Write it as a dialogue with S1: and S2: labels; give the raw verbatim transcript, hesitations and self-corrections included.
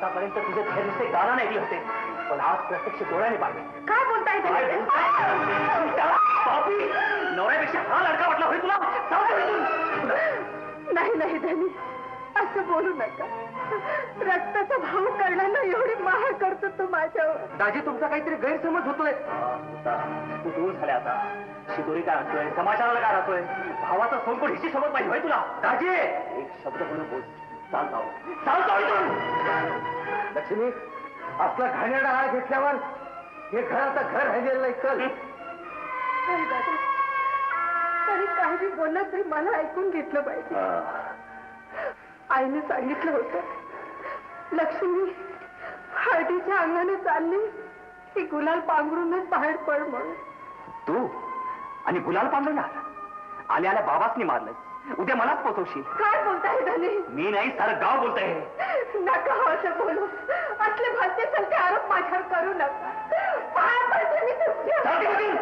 S1: आतापर्यंत तुझे धैर्य गाणं ऐकले होते, पण आज प्रत्यक्ष डोळ्याने पाहिले.
S2: काय बोलताय
S1: काय बोलताय? बापी, नवऱ्यापेक्षा हा लडका वाटला होय तुला? जाऊ दे इथून.
S2: नाही नाही धनी, असं बोलू नका. रक्ताचा भाऊ करण्याला एवढी माया करतो तो माझ्यावर.
S1: दाजी, तुमचा काहीतरी गैरसमज होतोय. तू दूर झाल्या आता. शिदोरी काय राहतोय, समाचाराला काय राहतोय, भावाचा संकट हिची सोबत पाहिजे होय तुला. दाजी, एक शब्द म्हणून बोल. चाल जाऊ, चाल जाऊ इथून. लक्ष्मी, आपला घाणेरडा आळ घेतल्यावर हे घर आता घर राहिलेलं नाही. चल.
S2: नाही दादा, तरी काही बोललं तरी मला ऐकून घेतलं पाहिजे. आईने सांगितलं होतं, लक्ष्मी हळदीच्या अंगाने चालली की गुलाल पांघरूनच बाहेर पड म्हणून.
S1: तू आणि गुलाल पांघरणार? आल्या आल्या बाबासनी मारलं, उद्या मलाच पोचवशील.
S2: काय बोलताय धनी?
S1: मी नाही, सारं गाव बोलतंय.
S2: नका हो असं बोलू. असले भलते सलते आरोप माझ्यावर करू नका. पाया पडते मी तुमच्या.